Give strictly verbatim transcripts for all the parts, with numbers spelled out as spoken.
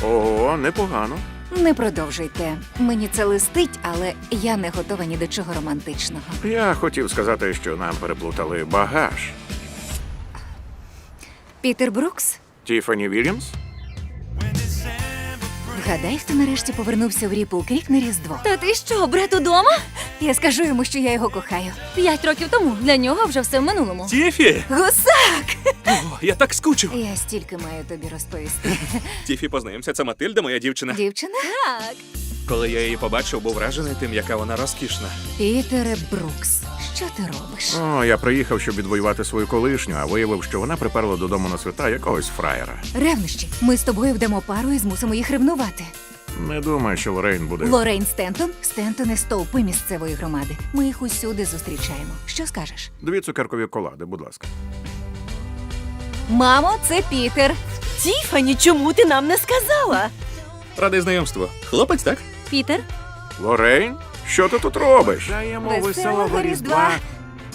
Ого, непогано. Не продовжуйте. Мені це листить, але я не готова ні до чого романтичного. Я хотів сказати, що нам переплутали багаж. Пітер Брукс? Тіфані Вільямс? Вгадай, хто нарешті повернувся в Ріпл Крік на Різдво. Та ти що, брат удома? Я скажу йому, що я його кохаю. П'ять років тому. Для нього вже все в минулому. Тіфі! Гусак! О, я так скучив. Я стільки маю тобі розповісти. Тіфі, познайомся, це Матильда, моя дівчина. Дівчина? Так. Коли я її побачив, був вражений тим, яка вона розкішна. Пітере Брукс, що ти робиш? О, я приїхав, щоб відвоювати свою колишню, а виявив, що вона приперла додому на свята якогось фраєра. Ревнощі. Ми з тобою вдамо пару і змусимо їх ревнувати. Не думаю, що Лорейн буде. Лорейн Стентон, Стентони стовпи місцевої громади. Ми їх усюди зустрічаємо. Що скажеш? Дві цукеркові колади, будь ласка. Мамо, це Пітер. Тіфані, чому ти нам не сказала? Радий знайомству. Хлопець, так? Пітер? Лорейн? Що ти тут робиш? Даємо Веселого веселого Різдва. Різдва.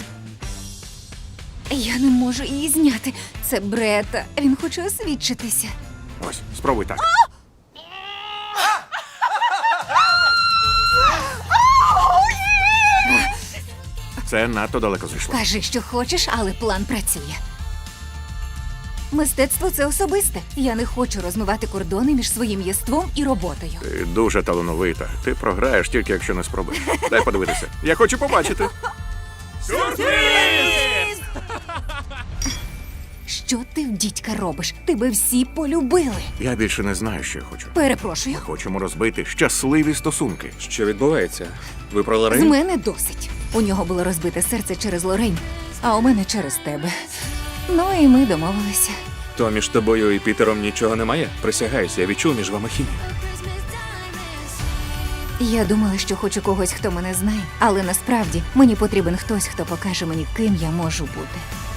Я не можу її зняти. Це Брета. Він хоче освідчитися. Ось, спробуй так. Це надто далеко зайшло. Кажи, що хочеш, але план працює. Мистецтво – це особисте. Я не хочу розмивати кордони між своїм єством і роботою. Ти дуже талановита. Ти програєш тільки, якщо не спробуєш. Дай подивитися. Я хочу побачити. Що ти в дідька робиш? Тебе всі полюбили. Я більше не знаю, що я хочу. Перепрошую. Ми хочемо розбити щасливі стосунки. Що відбувається? Ви про З Лорейн? мене досить. У нього було розбите серце через Лорейн, а у мене через тебе. Ну і ми домовилися. То між тобою і Пітером нічого немає? Присягаюся, я відчув між вами хімію. Я думала, що хочу когось, хто мене знає, але насправді мені потрібен хтось, хто покаже мені, ким я можу бути.